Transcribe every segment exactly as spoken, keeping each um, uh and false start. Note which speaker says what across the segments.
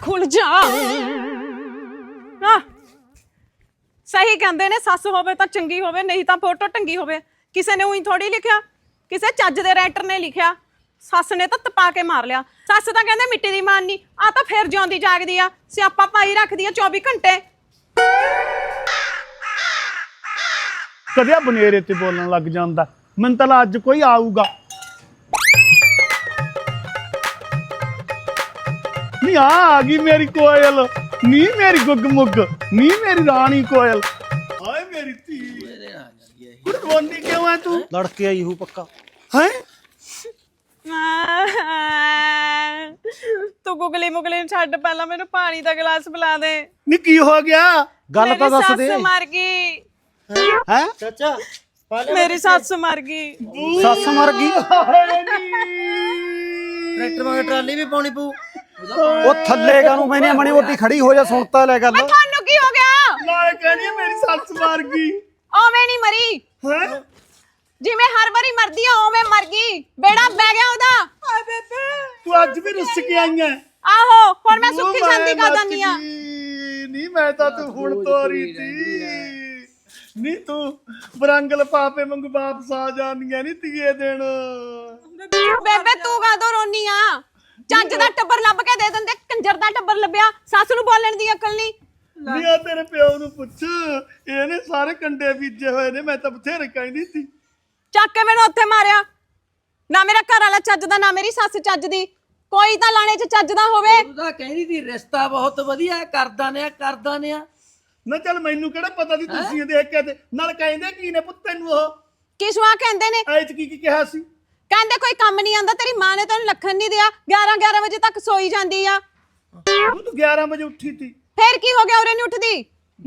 Speaker 1: ਖੁੱਲ ਜਾ। ਆ ਸਹੀ ਕਹਿੰਦੇ ਨੇ ਸੱਸ ਹੋਵੇ ਤਾਂ ਚੰਗੀ ਹੋਵੇ, ਨਹੀਂ ਤਾਂ ਫੋਟੋ ਟੰਗੀ ਹੋਵੇ। ਕਿਸੇ ਨੇ ਉਹੀ ਥੋੜੀ ਲਿਖਿਆ, ਕਿਸੇ ਚੱਜ ਦੇ ਰਾਈਟਰ ਨੇ ਲਿਖਿਆ। ਸੱਸ ਨੇ ਤਾਂ ਤਪਾ ਕੇ ਮਾਰ ਲਿਆ। ਸੱਸ ਤਾਂ ਕਹਿੰਦੇ ਮਿੱਟੀ ਦੀ ਮਾਰਨੀ, ਆ ਤਾਂ ਫੇਰ ਜਿਉਂਦੀ ਜਾਗਦੀ ਆ, ਸਿਆਪਾ ਪਾਈ ਰੱਖਦੀ ਆ ਚੌਵੀ ਘੰਟੇ।
Speaker 2: ਕਦੇ ਬਨੇਰੇ ਤੇ ਬੋਲਣ ਲੱਗ ਜਾਂਦਾ। ਮੈਨੂੰ ਤਾਂ ਅੱਜ ਕੋਈ ਆਊਗਾ ਨੀ। ਆ ਗਈ ਮੇਰੀ ਕੋਇਲ ਨੀ, ਮੇਰੀ ਗੁੱਗ ਮੁੱਗ ਨੀ, ਮੇਰੀ ਰਾਣੀ ਕੋਇਲ। ਹਾਏ ਮੇਰੀ ਧੀ ਰੋਂਦੀ ਕਿਉਂ ਐ ਤੂੰ?
Speaker 3: ਲੜ ਕੇ ਆਈ ਹੂ ਪੱਕਾ
Speaker 2: ਹੈ
Speaker 1: ਤੂੰ ਗੁਗਲੀ ਮੁਗਲੀ ਨੂੰ ਛੱਡ, ਪਹਿਲਾਂ ਮੈਨੂੰ ਪਾਣੀ ਦਾ ਗਲਾਸ ਪਿਲਾ ਦੇ।
Speaker 2: ਨੀ ਕੀ ਹੋ ਗਿਆ?
Speaker 3: ਗੱਲ ਤਾਂ ਦੱਸ ਦੇ।
Speaker 1: ਸੱਸ ਮਰ ਗਈ
Speaker 3: ਹੈ
Speaker 4: ਚਾਚਾ
Speaker 1: ਮੇਰੀ ਸੱਸ ਮਰ ਗਈ।
Speaker 3: ਸੱਸ ਮਰ ਗਈ?
Speaker 4: ਟਰੈਕਟਰ ਮਗਰ ਟਰਾਲੀ ਵੀ ਪਾਉਣੀ ਪਊ।
Speaker 3: ਉਹ ਥੱਲੇ ਕਾਨੂੰ ਮੈਨੇ ਮਣੀ ਮੋਟੀ ਖੜੀ ਹੋ ਜਾ, ਸੁਣਤਾ ਲੈ ਗੱਲ।
Speaker 1: ਤੁਹਾਨੂੰ ਕੀ ਹੋ ਗਿਆ?
Speaker 2: ਨਾਲੇ ਕਹਿੰਦੀ ਮੇਰੀ ਸੱਸ ਮਰ ਗਈ।
Speaker 1: ਓਵੇਂ ਨਹੀਂ ਮਰੀ,
Speaker 2: ਹੈ
Speaker 1: ਜਿਵੇਂ ਹਰ ਵਾਰੀ ਮਰਦੀ ਆ ਓਵੇਂ ਮਰ ਗਈ। ਬੇੜਾ ਬਹਿ ਗਿਆ ਉਹਦਾ।
Speaker 2: ਆ ਬੇਬੇ ਤੂੰ ਅੱਜ ਵੀ ਰੁੱਸ ਕੇ ਆਈ ਐ।
Speaker 1: ਆਹੋ ਹੁਣ ਮੈਂ ਸੁੱਖੀ ਸ਼ਾਂਤੀ ਕਰ ਦਿੰਦੀ ਆ।
Speaker 2: ਨਹੀਂ ਮੈਂ ਤਾਂ ਤੂੰ ਹੁਣ ਤੋਰੀ ਤੀ ਨੀ, ਤੂੰ ਬਰੰਗਲ ਪਾਪੇ ਵਾਂਗੂ ਵਾਪਸ ਆ ਜਾਣੀਆਂ ਨੀ ਤੀਏ ਦਿਨ।
Speaker 1: ਬੇਬੇ ਤੂੰ ਕਾਹਤੋਂ ਰੋਨੀ ਆ? ਚੱਜ ਦਾ ਟੱਬਰ ਲੱਭ ਕੇ ਦੇ ਦਿੰਦੇ, ਕੰਜਰ ਦਾ ਟੱਬਰ ਲੱਭਿਆ। ਸੱਸ ਨੂੰ ਬੋਲਣ ਦੀ ਅਕਲ ਨਹੀਂ।
Speaker 2: ਨੀ ਆ ਤੇਰੇ ਪਿਓ ਨੂੰ ਪੁੱਛ, ਇਹਨੇ ਸਾਰੇ ਕੰਡੇ ਬੀਜੇ ਹੋਏ ਨੇ। ਮੈਂ ਤਾਂ ਬਥੇਰੇ ਕਹਿੰਦੀ ਸੀ।
Speaker 1: ਚੱਕ ਕੇ ਮੈਨੂੰ ਉੱਥੇ ਮਾਰਿਆ। ਨਾ ਮੇਰਾ ਘਰ ਵਾਲਾ ਚੱਜ ਦਾ, ਨਾ ਮੇਰੀ ਸੱਸ ਚੱਜ ਦੀ। ਕੋਈ ਤਾਂ ਲਾਣੇ 'ਚ ਚੱਜ ਦਾ ਹੋਵੇ।
Speaker 4: ਤੂੰ ਤਾਂ ਕਹਿੰਦੀ ਸੀ ਰਿਸ਼ਤਾ ਬਹੁਤ ਵਧੀਆ ਕਰਦਾ ਨੇ ਕਰਦਾ ਨੇ
Speaker 2: ਨਾ ਚੱਲ ਮੈਨੂੰ ਕਿਹੜਾ ਪਤਾ ਸੀ ਤੁਸੀਂ ਇਹ ਦੇਖ ਕੇ ਤੇ ਨਾਲ ਕਹਿੰਦੇ ਕੀ ਨੇ ਪੁੱਤ ਤੈਨੂੰ? ਉਹ
Speaker 1: ਕਿਸਵਾ ਕਹਿੰਦੇ ਨੇ?
Speaker 2: ਐਤ ਕੀ ਕੀ ਕਿਹਾ ਸੀ?
Speaker 1: ਕਹਿੰਦੇ ਕੋਈ ਕੰਮ ਨਹੀਂ ਆਂਦਾ, ਤੇਰੀ ਮਾਂ ਨੇ ਤੈਨੂੰ ਲੱਖਣ ਨਹੀਂ ਦਿਆ। ਗਿਆਰਾਂ ਗਿਆਰਾਂ ਵਜੇ ਤੱਕ ਸੋਈ ਜਾਂਦੀ ਆ।
Speaker 2: ਤੂੰ ਤਾਂ ਗਿਆਰਾਂ ਵਜੇ ਉੱਠੀ ਤੀ।
Speaker 1: ਫੇਰ ਕੀ ਹੋ ਗਿਆ? ਉਰੇ ਨਹੀਂ ਉੱਠਦੀ।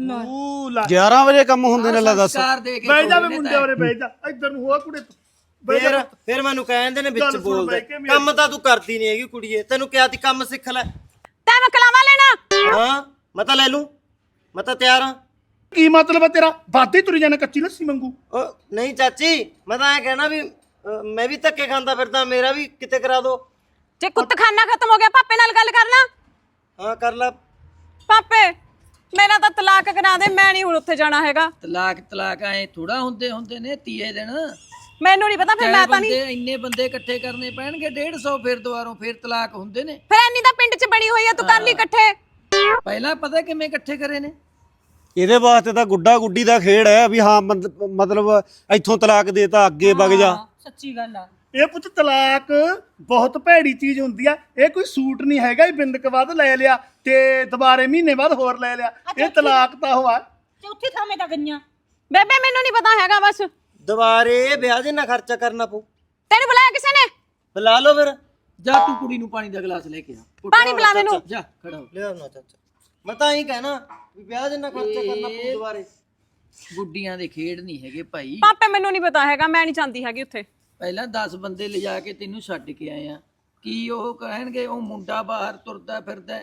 Speaker 2: ਊ ਲੈ
Speaker 3: ਗਿਆਰਾਂ ਵਜੇ ਕੰਮ ਹੁੰਦੇ ਨੇ, ਲੈ ਦੱਸ।
Speaker 4: ਸੰਸਕਾਰ ਦੇ ਕੇ
Speaker 2: ਬਹਿ ਜਾ ਵੇ ਮੁੰਡੇ ਉਰੇ, ਬਹਿ ਜਾ ਇੱਧਰ ਨੂੰ ਹੋ ਕੁੜੇ। ਬਹਿ
Speaker 5: ਫਿਰ
Speaker 2: ਜਾ।
Speaker 5: ਫਿਰ ਮੈਨੂੰ ਕਹਿੰਦੇ ਨੇ ਵਿੱਚ
Speaker 2: ਗੱਲ ਸੁਣ
Speaker 5: ਬੋਲਦੇ
Speaker 2: ਬਹਿ ਕੇ ਮੇਰੀ।
Speaker 5: ਕੰਮ ਤਾਂ ਤੂੰ ਕਰਦੀ ਨਹੀਂ ਹੈਗੀ ਕੁੜੀਏ, ਤੈਨੂੰ ਕਿਹਾ ਤੀ ਕੰਮ ਸਿੱਖ ਲੈ।
Speaker 1: ਤੈਂ ਮਕਲਾਵਾ ਲੈਣਾ?
Speaker 5: ਹਾਂ ਮੈਂ ਤਾਂ ਲੈ ਲੂੰ, ਮੈਂ ਤਾਂ ਤਿਆਰ ਹਾਂ।
Speaker 2: ਕੀ ਮਤਲਬ ਹੈ ਤੇਰਾ? ਬਾਦੀ ਤੁਰ ਜਾਣਾ ਕੱਚੀ ਲੱਸੀ ਵਾਂਗੂ।
Speaker 5: ਉਹ ਨਹੀਂ ਚਾਚੀ, ਮੈਂ ਤਾਂ ਐ ਕਹਿਣਾ ਵੀ ਅਹ, ਮੈਂ ਵੀ ਧੱਕੇ ਖਾਂਦਾ ਫਿਰਦਾ, ਮੇਰਾ ਵੀ ਕਿਤੇ ਕਰਾ ਦੋ।
Speaker 1: ਜੇ ਕੁੱਤਖਾਨਾ ਖਤਮ ਹੋ ਗਿਆ, ਪਾਪੇ ਨਾਲ ਗੱਲ ਕਰਨਾ।
Speaker 5: ਹਾਂ ਕਰ ਲੈ।
Speaker 1: ਪਾਪੇ ਮੇਰਾ ਤਾਂ ਤਲਾਕ ਕਰਾ ਦੇ, ਮੈਂ ਨਹੀਂ ਹੁਣ ਉੱਥੇ ਜਾਣਾ ਹੈਗਾ।
Speaker 4: ਤਲਾਕ ਤਲਾਕ ਐ ਥੋੜਾ ਹੁੰਦੇ ਹੁੰਦੇ ਨੇ ਤੀਏ ਦਿਨ।
Speaker 1: ਮੈਨੂੰ ਨਹੀਂ ਪਤਾ, ਫਿਰ ਮੈਂ ਤਾਂ ਨਹੀਂ।
Speaker 4: ਬੰਦੇ ਇੰਨੇ ਬੰਦੇ ਇਕੱਠੇ ਕਰਨੇ ਪੈਣਗੇ ਡੇਢ ਸੌ, ਫਿਰ ਦੁਬਾਰੋਂ ਫਿਰ ਤਲਾਕ ਹੁੰਦੇ ਨੇ।
Speaker 1: ਫਿਰ ਐਨੀ ਤਾਂ ਪਿੰਡ 'ਚ ਬਣੀ ਹੋਈ ਆ, ਤੂੰ ਕਰ ਲਈ ਇਕੱਠੇ।
Speaker 4: ਪਹਿਲਾਂ ਪਤਾ ਕਿਵੇਂ ਇਕੱਠੇ ਕਰੇ ਨੇ?
Speaker 3: ਇਹਦੇ ਵਾਸਤੇ ਤਾਂ ਗੁੱਡਾ ਗੁੱਡੀ ਦਾ ਖੇਡ ਹੈ ਵੀ ਹਾਂ ਮਤ- ਮਤਲਬ ਇੱਥੋਂ ਤਲਾਕ ਦੇਤਾ, ਅੱਗੇ ਵਗ ਜਾ।
Speaker 1: ਸੱਚੀ ਗੱਲ ਆ।
Speaker 2: ਇਹ ਪੁੱਤ ਤਲਾਕ ਬਹੁਤ ਭੈੜੀ ਚੀਜ਼ ਹੁੰਦੀ ਆ। ਇਹ ਕੋਈ ਸੂਟ ਨਹੀਂ ਹੈਗਾ ਹੀ ਬਿੰਦਕ ਬਾਅਦ ਲੈ ਲਿਆ ਤੇ ਦੁਬਾਰੇ ਮਹੀਨੇ ਬਾਅਦ ਹੋਰ ਲੈ ਲਿਆ। ਇਹ ਤਲਾਕ ਤਾਂ ਹੋਆ
Speaker 1: ਚੌਥੀ ਥਾਵੇਂ ਤਾਂ ਗਈਆਂ। ਬੇਬੇ ਮੈਨੂੰ ਨਹੀਂ ਪਤਾ ਹੈਗਾ, ਬਸ
Speaker 5: ਦੁਬਾਰੇ ਵਿਆਹ ਦੇ ਨਾਲ ਖਰਚਾ ਕਰਨਾ ਪਊ।
Speaker 1: ਤੈਨੂੰ ਬੁਲਾਇਆ ਕਿਸੇ ਨੇ?
Speaker 5: ਬੁਲਾ ਲਓ ਫਿਰ।
Speaker 4: ਜਾ ਤੂੰ ਕੁੜੀ ਨੂੰ ਪਾਣੀ ਦਾ ਗਲਾਸ ਲੈ ਕੇ ਆ।
Speaker 1: ਪਾਣੀ ਪਿਲਾ ਮੈਨੂੰ।
Speaker 4: ਜਾ ਖੜਾ ਹੋ।
Speaker 5: ਲਿਆ ਨਾ ਚਾਚਾ, ਮੈਂ ਤਾਂ ਇਹੀ ਕਹਿਣਾ ਵੀ ਵਿਆਹ ਦੇ ਨਾਲ ਖਰਚਾ ਕਰਨਾ ਪਊ ਦੁਬਾਰੇ।
Speaker 4: ਗੁੱਡੀਆਂ ਦੇ ਖੇਡ ਨਹੀਂ ਹੈਗੇ ਭਾਈ।
Speaker 1: ਪਾਪੇ ਮੈਨੂੰ ਨਹੀਂ ਪਤਾ ਹੈਗਾ, ਮੈਂ ਨਹੀਂ ਜਾਂਦੀ ਹੈਗੀ ਉੱਥੇ।
Speaker 4: ਪਹਿਲਾਂ ਦਸ ਬੰਦੇ ਲਿਜਾ ਕੇ ਤੈਨੂੰ ਛੱਡ ਕੇ ਆਏ ਆ। ਕੀ ਉਹ ਕਹਿਣਗੇ ਉਹ ਮੁੰਡਾ ਬਾਹਰ ਤੁਰਦਾ ਫਿਰਦਾ?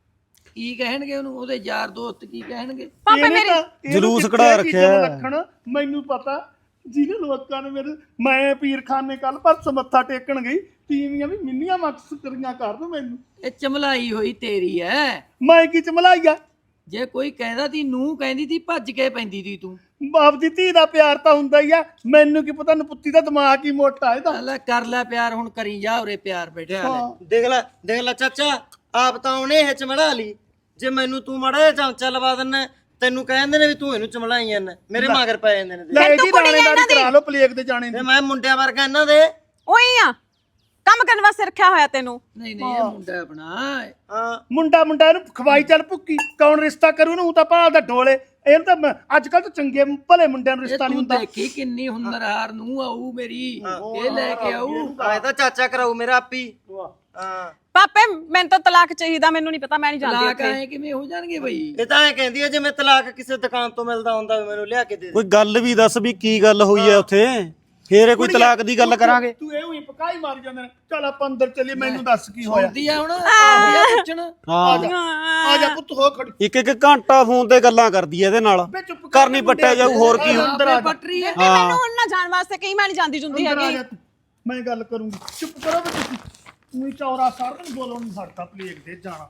Speaker 4: ਕੀ ਕਹਿਣਗੇ ਉਹਨੂੰ? ਉਹਦੇ ਯਾਰ ਦੋਸਤ ਕੀ ਕਹਿਣਗੇ?
Speaker 1: ਪਾਪੇ ਮੇਰੀ
Speaker 3: ਜਲੂਸ ਕਢਾ ਰੱਖਿਆ।
Speaker 2: ਰੱਖਣ ਮੈਨੂੰ ਪਤਾ। ਜਿਹਨੇ ਲੋਕਾਂ ਨੇ ਮੇਰੇ ਮੈਂ ਪੀਰਖਾਨੇ ਕੱਲ ਪਰਸ ਮੱਥਾ ਟੇਕਣ ਗਈ, ਤੀਵੀਆਂ ਵੀ ਮਿੰਨੀਆਂ ਮਕਸ ਕਰੀਆਂ ਕਰਨ ਮੈਨੂੰ।
Speaker 4: ਇਹ ਚਮਲਾਈ ਹੋਈ ਤੇਰੀ ਐ।
Speaker 2: ਮੈਂ ਕੀ ਚਮਲਾਈਆ?
Speaker 4: ਜੇ ਕੋਈ ਕਹਿੰਦਾ ਤੀ ਨੂੰ ਕਹਿੰਦੀ ਤੀ ਭੱਜ ਕੇ ਪੈਂਦੀ ਤੀ ਤੂੰ।
Speaker 2: ਬਾਪ ਦੀ ਧੀ ਦਾ ਪਿਆਰ ਤਾਂ ਹੁੰਦਾ ਹੀ ਆ। ਮੈਨੂੰ ਕੀ ਪਤਾ ਨਪੁੱਤੀ ਦਾ ਦਿਮਾਗ ਹੀ ਮੋਟਾ ਇਹਦਾ।
Speaker 4: ਚੱਲ ਕਰ ਲੈ ਪਿਆਰ, ਹੁਣ ਕਰੀ ਜਾ ਉਰੇ ਪਿਆਰ ਬੈਠਿਆ ਲੈ।
Speaker 5: ਦੇਖ ਲੈ ਦੇਖ ਲੈ ਚਾਚਾ, ਆਪ ਤਾਂ ਉਹਨੇ ਇਹ ਚਮੜਾ ਲਈ। ਜੇ ਮੈਨੂੰ ਤੂੰ ਮੜਾ ਜਿਹਾ ਚਮਚਾ ਲਵਾ ਦਿੰਨਾ, ਤੈਨੂੰ ਕਹਿੰਦੇ ਨੇ ਵੀ ਤੂੰ ਇਹਨੂੰ ਚਮਲਾਈ ਜਾਂਦਾ, ਮੇਰੇ ਮਗਰ ਪੈ ਜਾਂਦੇ ਨੇ।
Speaker 2: ਲੈ ਇਹਦੀ ਦਾਣੇਦਾਰੀ ਕਰਾ ਲਓ ਪਲੇਗ ਦੇ ਜਾਣੇ
Speaker 5: ਤੇ
Speaker 2: ਦੀ।
Speaker 5: ਮੈਂ ਮੁੰਡਿਆਂ ਵਰਗਾ ਇਹਨਾਂ ਦੇ।
Speaker 1: ਉਹੀ ਆ ਕੰਮ ਕਰਨ ਵਾਸਤੇ ਰੱਖਿਆ ਹੋਇਆ ਤੈਨੂੰ।
Speaker 4: ਨਹੀਂ ਨਹੀਂ ਇਹ ਮੁੰਡਾ ਆਪਣਾ।
Speaker 5: ਹਾਂ
Speaker 2: ਮੁੰਡਾ ਮੁੰਡਾ ਇਹਨੂੰ ਖਵਾਈ ਚੱਲ ਭੁੱਕੀ। ਕੌਣ ਰਿਸ਼ਤਾ ਕਰੂ ਇਹਨੂੰ? ਤਾਂ ਭਾਲਦਾ ਢੋਲੇ। ਇਹਨੂੰ ਤਾਂ ਅੱਜ ਕੱਲ ਤਾਂ ਚੰਗੇ ਭਲੇ ਮੁੰਡਿਆਂ ਨੂੰ
Speaker 4: ਇਹ
Speaker 2: ਰਿਸ਼ਤਾ ਨਹੀਂ
Speaker 4: ਤੂੰ
Speaker 2: ਹੁੰਦਾ।
Speaker 4: ਦੇਖੀ ਕਿੰਨੀ ਹੁਨਰਹਾਰ ਨੂੰ ਆਊ ਮੇਰੀ, ਇਹ ਲੈ ਕੇ ਆਊ।
Speaker 5: ਆਏ ਤਾਂ ਚਾਚਾ ਕਰਾਊ ਮੇਰਾ ਆਪੀ। ਹਾਂ
Speaker 1: ਪਾਪੇ ਮੈਨੂੰ ਤਾਂ ਤਲਾਕ ਚਾਹੀਦਾ, ਮੈਨੂੰ ਨਹੀਂ ਪਤਾ, ਮੈਂ ਨਹੀਂ ਜਾਂਦੀ
Speaker 4: ਤਲਾਕ
Speaker 1: ਉੱਥੇ।
Speaker 4: ਆਏ ਕਿਵੇਂ ਹੋ ਜਾਣਗੇ ਬਈ?
Speaker 5: ਇਹ ਤਾਂ ਐ ਕਹਿੰਦੀ ਹੈ ਜੇ ਮੈਂ ਤਲਾਕ ਕਿਸੇ ਦੁਕਾਨ ਤੋਂ ਮਿਲਦਾ ਹੁੰਦਾ ਵੀ ਮੈਨੂੰ ਲਿਆ ਕੇ ਦੇ ਦੇ।
Speaker 3: ਕੋਈ ਗੱਲ ਵੀ ਦੱਸ ਵੀ ਕੀ ਗੱਲ ਹੋਈ ਹੈ ਉੱਥੇ, ਫੇਰ ਇਹ ਕੋਈ ਤਲਾਕ ਦੀ ਗੱਲ ਕਰਾਂਗੇ।
Speaker 2: ਤੂੰ ਇਹ ਹੀ ਪਕਾਈ ਮਾਰੀ ਜਾਂਦੇ ਨੇ। ਚੱਲ ਆਪਾਂ ਅੰਦਰ ਚੱਲੀਏ, ਮੈਨੂੰ ਦੱਸ ਕੀ ਹੋਇਆ।
Speaker 4: ਹੁੰਦੀ ਆ ਹੁਣ ਆਉਂਦੀ ਆ ਪੁੱਛਣ।
Speaker 3: ਹਾਂ
Speaker 2: ਆ ਜਾ ਪੁੱਤ ਹੋ ਖੜੀ।
Speaker 3: ਇੱਕ ਇੱਕ ਘੰਟਾ ਫੋਨ ਤੇ ਗੱਲਾਂ ਕਰਦੀ ਐ ਇਹਦੇ ਨਾਲ।
Speaker 2: ਬੇ ਚੁੱਪ ਕਰ।
Speaker 3: ਕਰਨੀ ਪੱਟਿਆ ਜਾਊ, ਹੋਰ ਕੀ ਹੋ।
Speaker 2: ਅੰਦਰ ਆ ਜਾ।
Speaker 4: ਪਟਰੀ ਹੈ।
Speaker 1: ਬੇਬੇ ਮੈਨੂੰ ਹੁਣ ਨਾ ਜਾਣ ਵਾਸਤੇ ਕਹੀ, ਮੈਂ ਨਹੀਂ ਜਾਂਦੀ ਜੁੰਦੀ
Speaker 2: ਅੰਦਰ ਆ
Speaker 1: ਹੈਗੀ।
Speaker 2: ਜਾ ਤੂੰ, ਮੈਂ ਗੱਲ ਕਰੂੰਗੀ। ਚੁੱਪ ਕਰੋ ਬੇ ਤੁਸੀਂ। ਤੂੰ ਹੀ ਚੌਰਾ ਸਾਰਾ ਦਿਨ ਬੋਲਣ ਨੂੰ ਹਟਦਾ ਪਲੇਗ ਦੇ ਜਾਣਾ।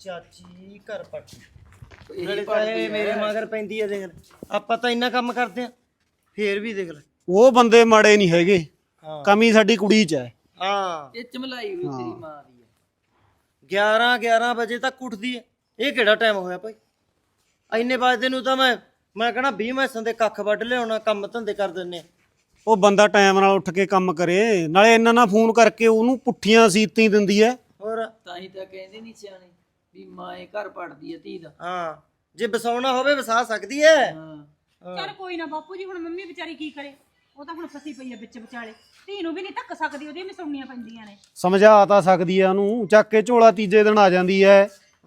Speaker 5: ਚਾਚੀ ਘਰ ਪੱਟ ਨਾਲੇ ਤਾਂ ਇਹ ਮੇਰੇ ਮਗਰ ਪੈਂਦੀ ਹੈ ਦੇਖ ਲੈ ਆਪਾਂ ਤਾਂ ਇੰਨਾ ਕੰਮ ਕਰਦੇ ਆ ਫੇਰ ਵੀ ਦੇਖ ਲੈ
Speaker 3: ਉਹ ਬੰਦੇ ਮਾੜੇ ਨਹੀਂ ਹੈਗੇ,
Speaker 5: ਹਾਂ
Speaker 3: ਕਮੀ ਸਾਡੀ ਕੁੜੀ 'ਚ ਹੈ।
Speaker 5: ਹਾਂ
Speaker 4: ਇਹ ਚਮਲਾਈ ਹੋਈ ਤੇਰੀ ਮਾਂ ਦੀ ਹੈ।
Speaker 5: ਗਿਆਰਾਂ ਗਿਆਰਾਂ ਵਜੇ ਤੱਕ ਉੱਠਦੀ ਹੈ। ਇਹ ਕਿਹੜਾ ਟਾਈਮ ਹੋਇਆ ਭਾਈ? ਇੰਨੇ ਵਜੇ ਨੂੰ ਤਾਂ ਮੈਂ ਮੈਂ ਕਹਣਾ ਵੀਹ ਮੈਸਾਂ ਦੇ ਕੱਖ ਵੱਢ ਲਿਆਉਣਾ, ਕੰਮ ਧੰਦੇ ਕਰ ਦਿੰਨੇ ਆ।
Speaker 3: ਉਹ ਬੰਦਾ ਟਾਈਮ ਨਾਲ ਉੱਠ ਕੇ ਕੰਮ ਕਰੇ, ਨਾਲੇ ਇਹਨਾਂ ਨਾਲ ਫੋਨ ਕਰਕੇ ਉਹਨੂੰ ਪੁੱਠੀਆਂ ਸੀਤੀ ਦਿੰਦੀ ਹੈ।
Speaker 5: ਹੋਰ
Speaker 4: ਤਾਂ ਹੀ ਤਾਂ ਕਹਿੰਦੇ ਨਹੀਂ ਸਿਆਣੇ ਵੀ ਮਾਂ ਇਹ ਘਰ ਪੜਦੀ ਹੈ ਧੀ ਦਾ।
Speaker 5: ਹਾਂ ਜੇ ਵਸਾਉਣਾ ਹੋਵੇ ਵਸਾ ਸਕਦੀ ਹੈ।
Speaker 4: ਹਾਂ
Speaker 6: ਚੱਲ ਕੋਈ ਨਾ ਬਾਪੂ ਜੀ, ਹੁਣ ਮੰਮੀ ਵਿਚਾਰੀ ਕੀ ਕਰੇ, ਉਹ ਤਾਂ ਹੁਣ ਫਸੀ ਪਈ ਹੈ ਵਿੱਚ ਵਿਚਾਲੇ, ਧੀ ਨੂੰ ਵੀ ਨਹੀਂ ਧੱਕ ਸਕਦੀ, ਉਹਦੀਆਂ ਵੀ ਸੁਣਨੀਆਂ ਪੈਂਦੀਆਂ ਨੇ।
Speaker 3: ਸਮਝਾ ਤਾਂ ਸਕਦੀ ਆ ਉਹਨੂੰ, ਚੱਕ ਕੇ ਝੋਲਾ ਤੀਜੇ ਦਿਨ ਆ ਜਾਂਦੀ ਹੈ।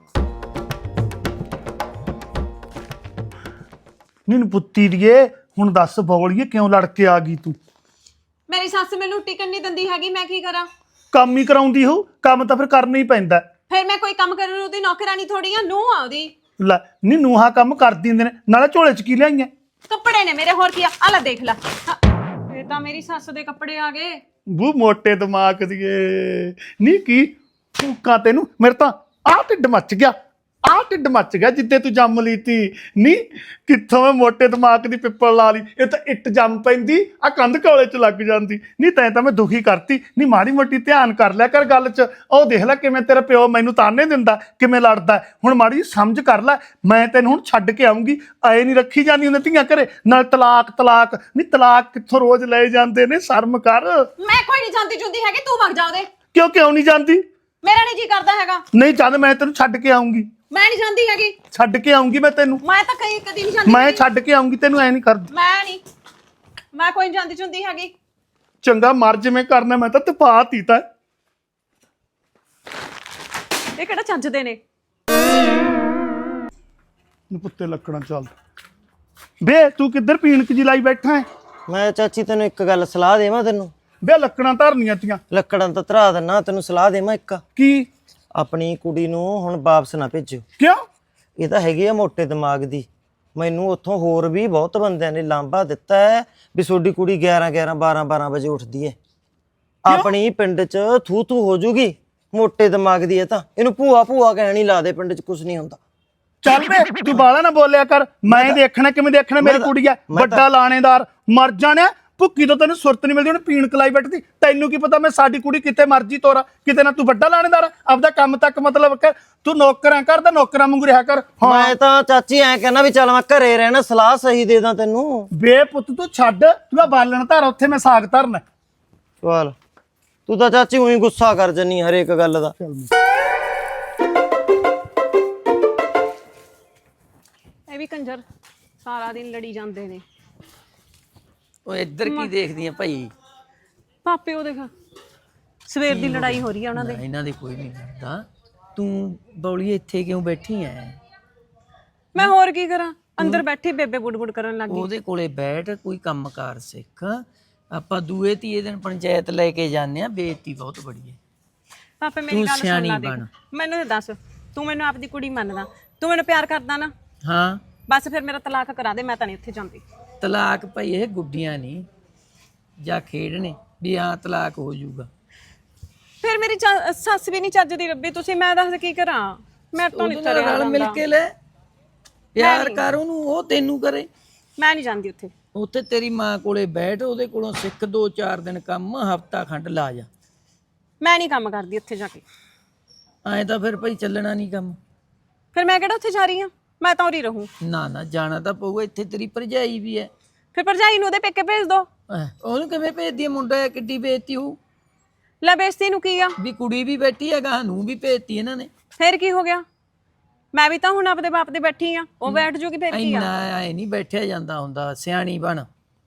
Speaker 2: ਨੀ ਪੁੱਤੀ ਦੀਏ ਹੁਣ ਦੱਸ ਬੌਲੀਏ ਕਿਉਂ ਲੜ ਕੇ ਆ ਗਈ ਤੂੰ?
Speaker 1: ਮੇਰੀ ਸੱਸ ਮੈਨੂੰ ਟਿਕਣ ਨਹੀਂ ਦਿੰਦੀ ਹੈਗੀ, ਮੈਂ ਕੀ ਕਰਾਂ?
Speaker 2: ਕੰਮ ਹੀ ਕਰਾਉਂਦੀ ਹੋ, ਕੰਮ ਤਾਂ ਫਿਰ ਕਰਨਾ ਹੀ ਪੈਂਦਾ।
Speaker 1: ਫਿਰ ਮੈਂ ਕੋਈ ਕੰਮ ਕਰਨ ਨੂੰ ਉਹਦੀ ਨੌਕਰਾਨੀ ਥੋੜੀ ਆ, ਨੂੰਹ ਆ ਉਹਦੀ।
Speaker 2: ਲੈ ਨੀ ਨੂੰਹਾਂ ਕੰਮ ਕਰਦੀ ਹੁੰਦੇ ਨੇ, ਨਾਲੇ ਝੋਲੇ ਚ ਕੀ ਲਿਆਈਆਂ?
Speaker 1: ਕੱਪੜੇ ਨੇ ਮੇਰੇ, ਹੋਰ ਕੀ ਆ? ਆ ਲੈ ਦੇਖ ਲੈ, ਹਾਂ, ਇਹ ਤਾਂ ਮੇਰੀ ਸੱਸ ਦੇ ਕੱਪੜੇ ਆ ਗਏ।
Speaker 2: ਬੂ ਮੋਟੇ ਦਿਮਾਗ ਦੀਏ ਨੀ ਕੀ ਭੂਕਾਂ ਤੈਨੂੰ, ਮੇਰੇ ਤਾਂ ਆਹ ਢਿੱਡ ਮੱਚ ਗਿਆ, ਆਹ ਢਿੱਡ ਮੱਚ ਗਿਆ ਜਿੱਦੇ ਤੂੰ ਜੰਮ ਲਈ ਤੀ। ਨੀ ਕਿੱਥੋਂ ਮੈਂ ਮੋਟੇ ਦਿਮਾਗ ਦੀ ਪਿੱਪਲ ਲਾ ਲਈ, ਇਹ ਤਾਂ ਇੱਟ ਜੰਮ ਪੈਂਦੀ ਆ ਕੰਧ ਕੋਲੇ ਚ ਲੱਗ ਜਾਂਦੀ। ਨੀ ਤੈਂ ਤਾਂ ਮੈਂ ਦੁਖੀ ਕਰਤੀ। ਨੀ ਮਾੜੀ ਮੋਟੀ ਧਿਆਨ ਕਰ ਲਿਆ ਕਰ ਗੱਲ ਚ, ਉਹ ਦੇਖ ਲੈ ਕਿਵੇਂ ਤੇਰਾ ਪਿਓ ਮੈਨੂੰ ਤਾਨੇ ਦਿੰਦਾ, ਕਿਵੇਂ ਲੜਦਾ। ਹੁਣ ਮਾੜੀ ਸਮਝ ਕਰ ਲੈ, ਮੈਂ ਤੈਨੂੰ ਹੁਣ ਛੱਡ ਕੇ ਆਉਂਗੀ, ਆਏ ਨਹੀਂ ਰੱਖੀ ਜਾਂਦੀ ਹੁੰਦੀ ਧੀਆਂ ਘਰੇ। ਨਾਲ ਤਲਾਕ ਤਲਾਕ ਨੀ ਤਲਾਕ ਕਿੱਥੋਂ ਰੋਜ਼ ਲਏ ਜਾਂਦੇ ਨੇ, ਸ਼ਰਮ ਕਰ।
Speaker 1: ਮੈਂ ਕੋਈ ਨਹੀਂ ਜਾਂਦੀ ਚੁੰਦੀ ਹੈਗੀ, ਤੂੰ ਵਗ ਜਾ ਉਹਦੇ।
Speaker 2: ਕਿਉਂ ਕਿਉਂ ਨਹੀਂ ਜਾਂਦੀ?
Speaker 1: ਮੇਰਾ ਨਹੀਂ ਜੀ ਕਰਦਾ ਹੈਗਾ।
Speaker 2: ਨਹੀਂ ਜਦ ਮੈਂ ਤੈਨੂੰ ਛੱਡ ਕੇ ਆਉਂਗੀ,
Speaker 1: ਮੈਂ ਨਹੀਂ ਜਾਂਦੀ ਹੈਗੀ,
Speaker 2: ਛੱਡ ਕੇ ਆਉਂਗੀ ਮੈਂ ਤੈਨੂੰ,
Speaker 1: ਮੈਂ ਤਾਂ ਕਈ ਕਦੀ ਨਹੀਂ ਜਾਂਦੀ
Speaker 2: ਮੈਂ
Speaker 1: ਹੈਗੀ।
Speaker 2: ਛੱਡ ਕੇ ਆਉਂਗੀ ਤੈਨੂੰ, ਐ ਨਹੀਂ ਕਰਦੀ।
Speaker 1: ਮੈਂ ਨਹੀਂ, ਮੈਂ ਕੋਈ ਨੀ ਜਾਂਦੀ ਚੁੰਦੀ ਹੈਗੀ।
Speaker 2: ਚੰਗਾ ਮਰ ਜਿਵੇਂ ਕਰਨਾ, ਮੈਂ ਤਾਂ ਤਪਾ ਤੀਤਾ।
Speaker 1: ਇਹ ਕਿਹੜਾ ਚੱਜਦੇ ਨੇ?
Speaker 2: ਪੁੱਤੇ ਲੱਕੜਾਂ ਚੱਲ ਬੇ, ਤੂੰ ਕਿੱਧਰ ਪੀਣਕ ਜੀ ਲਾਈ ਬੈਠਾ ਹੈ?
Speaker 5: ਮੈਂ ਚਾਚੀ ਤੈਨੂੰ ਇੱਕ ਗੱਲ ਸਲਾਹ ਦੇਵਾਂ ਤੈਨੂੰ?
Speaker 2: ਬੇ ਲੱਕੜਾਂ ਧਰਨੀਆਂ ਤੀਆਂ।
Speaker 5: ਲੱਕੜਾਂ ਤਾਂ ਧਰਾ ਦਿੰਨਾ, ਤੈਨੂੰ ਸਲਾਹ ਦੇਵਾਂ ਇੱਕ?
Speaker 2: ਕੀ?
Speaker 5: ਆਪਣੀ ਕੁੜੀ ਨੂੰ ਹੁਣ ਵਾਪਸ ਨਾ ਭੇਜੋ।
Speaker 2: ਕਿਉਂ?
Speaker 5: ਇਹ ਤਾਂ ਹੈਗੀ ਆ ਮੋਟੇ ਦਿਮਾਗ ਦੀ। ਮੈਨੂੰ ਉੱਥੋਂ ਹੋਰ ਵੀ ਬਹੁਤ ਬੰਦਿਆਂ ਨੇ ਲਾਂਭਾ ਦਿੱਤਾ ਹੈ ਵੀ ਤੁਹਾਡੀ ਕੁੜੀ ਗਿਆਰਾਂ ਗਿਆਰਾਂ ਬਾਰਾਂ ਬਾਰਾਂ ਵਜੇ ਉੱਠਦੀ ਹੈ, ਆਪਣੀ ਪਿੰਡ 'ਚ ਥੂ ਥੂ ਹੋ ਜੂਗੀ। ਮੋਟੇ ਦਿਮਾਗ ਦੀ ਹੈ ਤਾਂ ਇਹਨੂੰ ਭੂਆ ਭੂਆ ਕਹਿਣੀ ਲਾ ਦੇ, ਪਿੰਡ 'ਚ ਕੁਝ ਨਹੀਂ ਹੁੰਦਾ।
Speaker 2: ਚੱਲ ਬੇ ਤੂੰ ਬਾਲਾ ਨਾ ਬੋਲਿਆ ਕਰ, ਮੈਂ ਦੇਖਣਾ ਕਿਵੇਂ ਦੇਖਣਾ। ਮੇਰੀ ਕੁੜੀ ਆ ਵੱਡਾ ਲਾਣੇਦਾਰ, ਮਰ ਜਾਣਿਆ ਭੁੱਕੀ ਤੋਂ ਤੈਨੂੰ ਸੁਰਤ ਨਹੀਂ ਮਿਲਦੀ, ਉਹਨੇ ਪੀਣ ਕਲਾਈ ਬੈਠਦੀ। ਤੈਨੂੰ ਕੀ ਪਤਾ ਮੈਂ ਸਾਡੀ ਕੁੜੀ ਕਿਤੇ ਮਰਜੀ ਤੋਰਾ, ਕਿਤੇ ਨਾ ਤੂੰ ਵੱਡਾ ਲਾਣੇਦਾਰ। ਆਪਦਾ ਕੰਮ ਤੱਕ ਮਤਲਬ ਕਰ, ਤੂੰ ਨੌਕਰਾਂ ਕਰਦਾ, ਨੌਕਰਾਂ ਵਾਂਗੂ ਰਿਹਾ ਕਰ।
Speaker 5: ਮੈਂ ਤਾਂ ਚਾਚੀ ਐ ਕਹਿੰਦਾ ਵੀ ਚੱਲ ਮੈਂ ਘਰੇ ਰਹਿਣਾ, ਸਲਾਹ ਸਹੀ ਦੇ ਦਾਂ ਤੈਨੂੰ।
Speaker 2: ਬੇ ਪੁੱਤ ਤੂੰ ਛੱਡ, ਤੂੰ ਆ ਬਾਲਣ ਧਰ, ਉੱਥੇ ਮੈਂ ਸਾਗ ਧਰਨਾ।
Speaker 5: ਚੱਲ ਤੂੰ ਤਾਂ ਚਾਚੀ ਉਹੀ ਗੁੱਸਾ ਕਰ ਜੰਨੀ ਹਰੇਕ ਗੱਲ ਦਾ।
Speaker 1: ਇਹ ਵੀ ਕੰਜਰ ਸਾਰਾ ਦਿਨ ਲੜੀ ਜਾਂਦੇ ਨੇ।
Speaker 4: ਉਹ ਇੱਧਰ ਕੀ ਦੇਖਦੀ ਆ ਭਾਈ?
Speaker 1: ਪਾਪੇ ਉਹ ਦੇਖ, ਸਵੇਰ ਦੀ ਲੜਾਈ ਹੋ ਰਹੀ ਆ ਉਹਨਾਂ ਦੇ।
Speaker 4: ਇਹਨਾਂ ਦੇ ਕੋਈ ਨਹੀਂ ਕਰਦਾ। ਤੂੰ ਬੌਲੀ ਇੱਥੇ ਕਿਉਂ ਬੈਠੀ ਐ?
Speaker 1: ਮੈਂ ਹੋਰ ਕੀ ਕਰਾਂ, ਅੰਦਰ ਬੈਠੀ ਬੇਬੇ ਬੁੜਬੁੜ ਕਰਨ ਲੱਗ ਗਈ।
Speaker 4: ਉਹਦੇ ਕੋਲੇ ਬੈਠ, ਕੋਈ ਕੰਮਕਾਰ ਸਿੱਖ। ਆਪਾਂ ਦੂਏ ਤੀਏ ਦਿਨ ਪੰਚਾਇਤ ਲੈ ਕੇ ਜਾਂਦੇ ਆ, ਬੇਇੱਜ਼ਤੀ ਬਹੁਤ ਬੜੀ ਹੈ।
Speaker 1: ਪਾਪੇ ਮੇਰੀ ਗੱਲ ਸੁਣ ਲੈ, ਦੇਖ ਮੈਨੂੰ ਇਹ ਦੱਸ, ਤੂੰ ਮੈਨੂੰ ਆਪਦੀ ਕੁੜੀ ਮੰਨਦਾ, ਤੂੰ ਮੈਨੂੰ ਪਿਆਰ ਕਰਦਾ ਨਾ?
Speaker 4: ਹਾਂ
Speaker 1: ਬਸ ਫਿਰ ਮੇਰਾ ਤਲਾਕ ਕਰਾ ਦੇ, ਮੈਂ ਤਾਂ ਨਹੀਂ ਉੱਥੇ ਜਾਂਦੀ।
Speaker 4: ਤਲਾਕ ਭਾਈ ਇਹ ਗੁੱਡੀਆਂ ਨਹੀਂ ਜਾਂ ਖੇਡ ਨੇ ਵੀ ਹਾਂ ਤਲਾਕ ਹੋ ਜਾਊਗਾ।
Speaker 1: ਫਿਰ ਮੇਰੀ ਚ- ਸੱਸ ਵੀ ਨਹੀਂ ਚੱਜਦੀ ਰੱਬੀ, ਤੁਸੀਂ ਮੈਂ ਦੱਸ ਕੀ ਕਰਾਂ? ਮੈਂ ਤਾਂ ਨਹੀਂ
Speaker 4: ਉਹਦੇ ਨਾਲ
Speaker 1: ਤਰਿਆ
Speaker 4: ਰਲ ਮਿਲ
Speaker 1: ਜਾਂਦਾ।
Speaker 4: ਕੇ ਲੈ, ਪਿਆਰ ਕਰ ਉਹਨੂੰ, ਉਹ ਤੈਨੂੰ ਕਰੇ।
Speaker 1: ਮੈਂ ਨਹੀਂ ਜਾਂਦੀ ਉੱਥੇ।
Speaker 4: ਉੱਥੇ ਤੇਰੀ ਮਾਂ ਕੋਲੇ ਬੈਠ, ਉਹਦੇ ਕੋਲੋਂ ਸਿੱਖ ਦੋ ਚਾਰ ਦਿਨ ਕੰਮ, ਹਫਤਾ ਖੰਡ ਲਾ ਜਾ।
Speaker 1: ਮੈਂ ਨਹੀਂ ਕੰਮ ਕਰਦੀ ਉੱਥੇ ਜਾ ਕੇ।
Speaker 4: ਐਂ ਤਾਂ ਫਿਰ ਭਾਈ ਚੱਲਣਾ ਨਹੀਂ ਕੰਮ।
Speaker 1: ਫਿਰ ਮੈਂ ਕਿਹੜਾ ਉੱਥੇ ਜਾ ਰਹੀ ਹਾਂ, ਮੈਂ ਤਾਂ ਉਰੀ ਰਹੂੰ।
Speaker 4: ਨਾ ਨਾ ਜਾਣਾ ਤਾਂ ਪਊਗਾ, ਇੱਥੇ ਤੇਰੀ ਭਰਜਾਈ ਵੀ ਹੈ।
Speaker 1: ਫਿਰ ਭਰਜਾਈ ਨੂੰ ਉਹਦੇ ਪੇਕੇ ਭੇਜ ਦੋ।
Speaker 4: ਐ, ਉਹਨੂੰ ਕਿਵੇਂ ਭੇਜਦੀ ਹੈ? ਮੁੰਡਾ ਹੈ, ਕਿੱਡੀ ਬੇਇੱਜ਼ਤੀ ਹੋਊ।
Speaker 1: ਲੈ ਬੇਇੱਜ਼ਤੀ ਨੂੰ ਕੀ ਆ,
Speaker 4: ਵੀ ਕੁੜੀ ਵੀ ਬੈਠੀ ਹੈ, ਗਾਂ ਨੂੰ ਵੀ ਭੇਜਤੀ ਇਹਨਾਂ ਨੇ।
Speaker 1: ਫਿਰ ਕੀ ਹੋ ਗਿਆ? ਮੈਂ ਵੀ ਤਾਂ ਹੁਣ ਆਪਦੇ ਬਾਪ ਦੇ ਬੈਠੀ ਆ, ਉਹ ਬੈਠ ਜੂਗੀ, ਫਿਰ ਕੀ ਆ?
Speaker 4: ਇੰਨਾ ਐ ਨਹੀਂ ਬੈਠਿਆ ਜਾਂਦਾ ਹੁੰਦਾ, ਸਿਆਣੀ ਬਣ।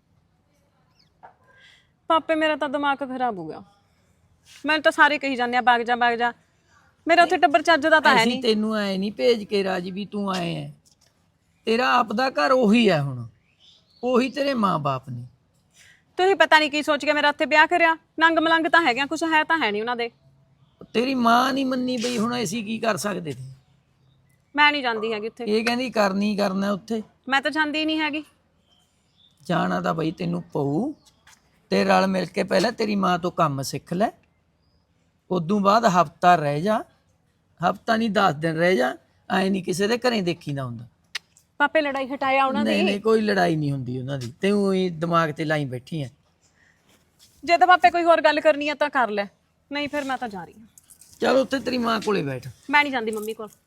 Speaker 1: ਪਾਪੇ ਮੇਰਾ ਤਾਂ ਦਿਮਾਗ ਖਰਾਬ ਹੋ ਗਿਆ। ਮੈਨੂੰ ਤਾਂ ਸਾਰੇ ਕਹੀ ਜਾਂਦੇ ਆ ਬਾਗ ਜਾ ਬਾਗ ਜਾ, ਮੇਰਾ ਉੱਥੇ ਟੱਬਰ ਚੱਜਦਾ ਤਾਂ ਹੈ
Speaker 4: ਅਸੀਂ
Speaker 1: ਨਹੀਂ।
Speaker 4: ਤੈਨੂੰ ਐ ਨਹੀਂ ਭੇਜ ਕੇ ਰਾਜੀ ਵੀ ਤੂੰ ਆਏ ਐ। ਤੇਰਾ ਆਪਦਾ ਘਰ ਉਹੀ ਹੈ, ਹੁਣ ਉਹੀ ਤੇਰੇ ਮਾਂ-ਬਾਪ ਨੇ।
Speaker 1: ਤੁਸੀਂ ਪਤਾ ਨਹੀਂ ਕੀ ਸੋਚ ਕੇ ਮੇਰਾ ਉੱਥੇ ਵਿਆਹ ਕਰਿਆ। ਨੰਗ ਮਲੰਗ ਤਾਂ ਹੈਗੇ, ਕੁਛ ਹੈ ਤਾਂ ਹੈ ਨਹੀਂ ਉਹਨਾਂ ਦੇ।
Speaker 4: ਤੇਰੀ ਮਾਂ ਨਹੀਂ ਮੰਨੀ ਬਈ, ਹੁਣ ਅਸੀਂ ਕੀ ਕਰ ਸਕਦੇ ਤੇ?
Speaker 1: ਮੈਂ ਨਹੀਂ ਜਾਂਦੀ ਹੈਗੀ ਉੱਥੇ।
Speaker 4: ਇਹ ਕਹਿੰਦੀ ਕਰਨੀ ਕਰਨਾ ਉੱਥੇ।
Speaker 1: ਮੈਂ ਤਾਂ ਜਾਂਦੀ ਨਹੀਂ ਹੈਗੀ।
Speaker 4: ਜਾਣਾ ਤਾਂ ਬਈ ਤੈਨੂੰ ਪਊ, ਤੇ ਰਲ ਮਿਲ ਕੇ ਪਹਿਲਾਂ ਤੇਰੀ ਮਾਂ ਤੋਂ ਕੰਮ ਸਿੱਖ ਲੈ, ਉਦੋਂ ਬਾਅਦ ਹਫਤਾ ਰਹਿ ਜਾ, ਹਫਤਾ ਨਹੀਂ ਦਸ ਦਿਨ ਰਹਿ ਜਾ, ਐ ਨਹੀਂ ਕਿਸੇ ਦੇ ਘਰੇ ਦੇਖੀ ਨਾ ਹੁੰਦਾ।
Speaker 1: ਪਾਪੇ ਲੜਾਈ ਹਟਾਇਆ ਉਹਨਾਂ
Speaker 4: ਨਹੀਂ
Speaker 1: ਦੀ।
Speaker 4: ਨਹੀਂ ਕੋਈ ਲੜਾਈ ਨਹੀਂ ਹੁੰਦੀ ਉਹਨਾਂ ਦੀ, ਤੇ ਉਹੀ ਦਿਮਾਗ ਤੇ ਲਾਈ ਬੈਠੀ ਐ।
Speaker 1: ਜੇ ਤਾਂ ਪਾਪੇ ਕੋਈ ਹੋਰ ਗੱਲ ਕਰਨੀ ਆ ਤਾਂ ਕਰ ਲੈ, ਨਹੀਂ ਫਿਰ ਮੈਂ ਤਾਂ ਜਾ ਰਹੀ ਹਾਂ।
Speaker 4: ਚਲ ਉੱਥੇ ਤੇਰੀ ਮਾਂ ਕੋਲੇ ਬੈਠ।
Speaker 1: ਮੈਂ ਨਹੀਂ ਜਾਂਦੀ ਮੰਮੀ ਕੋਲ।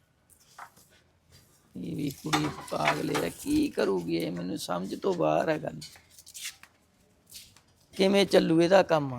Speaker 4: ਇਹ ਵੀ ਕੁੜੀ ਪਾਗਲੇ ਆ, ਕੀ ਕਰੂਗੀ ਇਹ, ਮੈਨੂੰ ਸਮਝ ਤੋਂ ਬਾਹਰ ਹੈ ਗੱਲ। ਕਿਵੇਂ ਚੱਲੂ ਇਹਦਾ ਕੰਮ?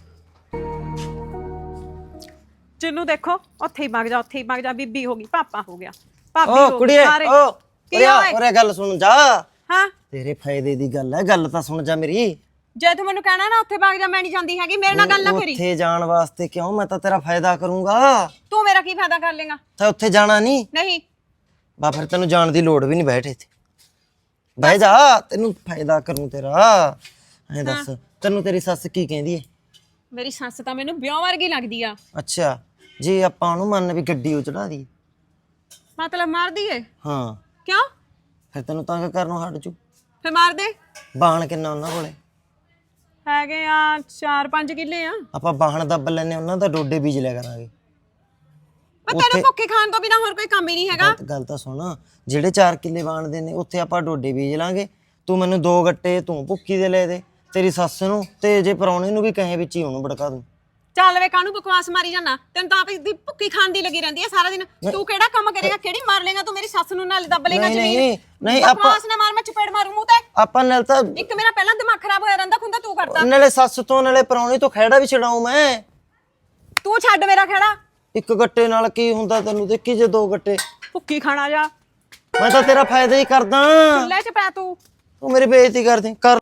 Speaker 1: ਜਿਹਨੂੰ ਦੇਖੋ ਉੱਥੇ ਹੀ ਵਗ ਜਾ, ਉੱਥੇ ਹੀ ਵਗ ਜਾ। ਬੀਬੀ ਹੋ ਗਈ, ਪਾਪਾ ਹੋ ਗਿਆ, ਭਾਬੀ
Speaker 5: ਓ
Speaker 1: ਹੋ ਗਈ,
Speaker 5: ਕੁੜੀਏ
Speaker 1: ਸਾਰੇ।
Speaker 5: ਓ
Speaker 1: ਕੀ
Speaker 5: ਉਰੇ ਆ,
Speaker 1: ਓਏ?
Speaker 5: ਉਰੇ ਗੱਲ ਸੁਣ ਜਾ।
Speaker 1: ਹਾਂ,
Speaker 5: ਤੇਰੇ ਫਾਇਦੇ ਦੀ ਗੱਲ ਹੈ, ਗੱਲ ਤਾਂ ਸੁਣ ਜਾ ਮੇਰੀ।
Speaker 1: ਜੇ ਤੂੰ ਮੈਨੂੰ ਕਹਿਣਾ ਨਾ ਉੱਥੇ ਵਗ ਜਾ, ਮੈਂ ਨਹੀਂ ਜਾਂਦੀ ਹੈਗੀ। ਮੇਰੇ ਨਾਲ ਗੱਲ ਨਾ ਕਰੀ।
Speaker 5: ਉੱਥੇ ਜਾਣ ਵਾਸਤੇ ਕਿਉਂ? ਮੈਂ ਤਾਂ ਤੇਰਾ ਫਾਇਦਾ ਕਰੂੰਗਾ।
Speaker 1: ਤੂੰ ਮੇਰਾ ਕੀ ਫਾਇਦਾ ਕਰ ਲੇਗਾ?
Speaker 5: ਤਾਂ ਉੱਥੇ ਜਾਣਾ ਨਹੀਂ?
Speaker 1: ਨਹੀਂ।
Speaker 5: ਬਾ ਫਿਰ ਤੈਨੂੰ ਜਾਣ ਦੀ ਲੋੜ ਵੀ ਨਹੀਂ, ਬੈਠ ਇੱਥੇ ਬਹਿ ਜਾ, ਤੈਨੂੰ ਫਾਇਦਾ ਕਰੂੰ ਤੇਰਾ। ਐਂ ਦੱਸ ਤੈਨੂੰ ਤੇਰੀ ਸੱਸ ਕੀ ਕਹਿੰਦੀ ਹੈ?
Speaker 1: ਮੇਰੀ ਸੱਸ ਤਾਂ ਮੈਨੂੰ ਵਿਆਹ ਵਰਗੀ ਲੱਗਦੀ ਆ।
Speaker 5: ਅੱਛਾ, ਜੇ ਆਪਾਂ ਉਹਨੂੰ ਮੰਨ ਵੀ ਗੱਡੀ ਉਹ ਚੜਾ ਦੀ,
Speaker 1: ਮਤਲਬ ਮਾਰਦੀ ਏ?
Speaker 5: ਹਾਂ,
Speaker 1: ਕਿਉਂ?
Speaker 5: ਫਿਰ ਤੈਨੂੰ ਤੰਗ ਕਰਨੋਂ ਹਟ ਜੂ।
Speaker 1: ਫੇ ਮਾਰ ਦੇ।
Speaker 5: ਬਾਹਣ ਕਿੰਨਾ ਉਹਨਾਂ ਕੋਲੇ?
Speaker 1: ਹੈਗੇ ਆ ਚਾਰ ਪੰਜ ਕਿੱਲੇ ਆ।
Speaker 5: ਆਪਾਂ ਬਾਹਣ ਦੱਬ ਲੈਨੇ, ਉਹਨਾਂ ਦਾ ਡੋਡੇ ਬੀਜ ਲਿਆ ਕਰਾਂਗੇ।
Speaker 1: ਪਰ ਤੈਨੂੰ ਭੁੱਖੇ ਖਾਣ ਤੋਂ ਬਿਨਾ ਹੋਰ ਕੋਈ ਕੰਮ ਹੀ ਨਹੀਂ ਹੈਗਾ।
Speaker 5: ਗੱਲ- ਗੱਲ ਤਾਂ ਸੁਣ, ਜਿਹੜੇ ਚਾਰ ਕਿੱਲੇ ਬਾਣਦੇ ਨੇ ਉੱਥੇ ਆਪਾਂ ਡੋਡੇ ਬੀਜ ਲਾਂਗੇ। ਤੂੰ ਮੈਨੂੰ ਦੋ ਗੱਟੇ ਤੂੰ ਭੁੱਕੀ ਦੇ ਲੈ ਦੇ, ਤੇਰੀ ਸੱਸ ਨੂੰ, ਤੇ ਜੇ ਪਰੌਣੇ ਨੂੰ ਵੀ ਕਹੇ ਵਿੱਚ ਹੀ ਉਹਨੂੰ ਭੜਕਾ ਦੂੰ।
Speaker 1: ਚੱਲ ਵੇ, ਕਾਹਨੂੰ ਬਕਵਾਸ ਮਾਰੀ ਜਾਣਾ? ਤੈਨੂੰ ਤਾਂ ਆਪ ਦੀ ਭੁੱਕੀ ਖਾਣ ਦੀ ਲੱਗੀ ਰਹਿੰਦੀ ਆ ਸਾਰਾ ਦਿਨ। ਤੂੰ ਕਿਹੜਾ ਕੰਮ ਕਰੇਗਾ, ਕਿਹੜੀ ਮਾਰ ਲੇਗਾ ਤੂੰ? ਮੇਰੀ ਸੱਸ ਨੂੰ ਨਾਲ ਦੱਬ ਲੇਗਾ
Speaker 5: ਨਹੀਂ,
Speaker 1: ਜ਼ਮੀਨ।
Speaker 5: ਨਹੀਂ, ਨਹੀਂ, ਆਪਾਂ-
Speaker 1: ਬਕਵਾਸ ਨਾ ਮਾਰ, ਮੈਂ ਚਪੇੜ ਮਾਰੂ ਮੂੰਹ ਤੇ।
Speaker 5: ਆਪਾਂ ਨਾਲ ਤਾਂ
Speaker 1: ਇੱਕ ਮੇਰਾ ਪਹਿਲਾਂ ਦਿਮਾਗ ਖਰਾਬ ਹੋਇਆ ਰਹਿੰਦਾ ਹੁੰਦਾ, ਤੂੰ ਕਰਦਾ।
Speaker 5: ਨਾਲੇ ਸੱਸ ਤੋਂ ਨਾਲੇ ਪਰੌਣੇ ਤੋਂ ਖਹਿੜਾ ਵੀ ਛਡਾਉਂ ਮੈਂ।
Speaker 1: ਤੂੰ ਛੱਡ ਮੇਰਾ ਖੜਾ।
Speaker 5: ਇੱਕ ਗੱਟੇ ਨਾਲ ਕੀ ਹੁੰਦਾ ਤੈਨੂੰ? ਦੇਖੀ ਜੇ ਦੋ ਗੱਟੇ।
Speaker 1: ਭੁੱਕੀ ਖਾਣਾ ਜਾ,
Speaker 5: ਮੈਂ ਤਾਂ ਤੇਰਾ ਫਾਇਦਾ ਹੀ ਕਰਦਾ।
Speaker 1: ਚੁੱਲ੍ਹੇ 'ਚ ਪੈ ਤੂੰ।
Speaker 5: ਤੂੰ ਮੇਰੀ ਬੇਇੱਜ਼ਤੀ ਕਰਦੀ ਕਰ